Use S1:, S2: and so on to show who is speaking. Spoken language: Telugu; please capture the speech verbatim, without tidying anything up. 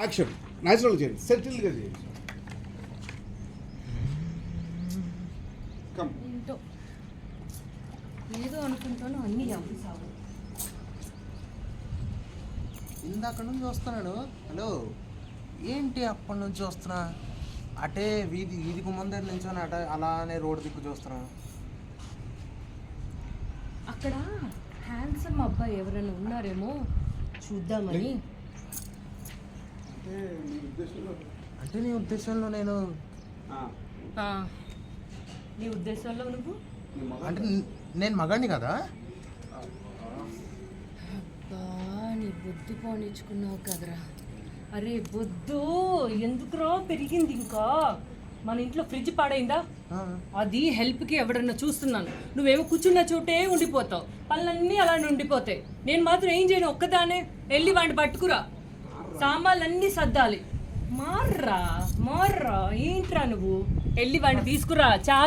S1: యాక్షన్ న్యాచురల్ చేయండి, సెటిల్గా చేయండి. కమ్.
S2: ఏంటో ఏదో అనుకుంటాను అన్ని అవ్వసావు.
S3: ఇందాక నుంచి చూస్తున్నాడు. హలో ఏంటి అప్పటి నుంచి చూస్తున్నా? అటే వీధి వీధి గుమ్మం దగ్గర నుంచి అట అలానే రోడ్డు దిక్కు చూస్తున్నా.
S2: అక్కడ హ్యాండ్సమ్ అబ్బాయి ఎవరైనా ఉన్నారేమో చూద్దామని.
S1: అంటే మీ ఉద్దేశంలో
S3: అంటే నీ ఉద్దేశంలో నేను
S2: ఆ, నీ ఉద్దేశంలో నువ్వు
S3: అంటే నేను మగాడిని కదా?
S2: అబ్బా నీ బొద్దు పోనిచ్చుకున్నావు కదరా. అరే బొద్దు ఎందుకురా పెరిగింది ఇంకా. మన ఇంట్లో ఫ్రిడ్జ్ పాడైందా, అది హెల్ప్కి ఎవడన్నా చూస్తున్నాను. నువ్వేమో కూర్చున్న చోటే ఉండిపోతావు, పనులన్నీ అలానే ఉండిపోతాయి. నేను మాత్రం ఏం చేయను, ఒక్కదానే వెళ్ళి వాడిని పట్టుకురా, సామాన్లన్నీ సర్దాలి. మార్రా మార్రా ఏంట్రా నువ్వు, వెళ్ళి వాడిని తీసుకురా. చాలా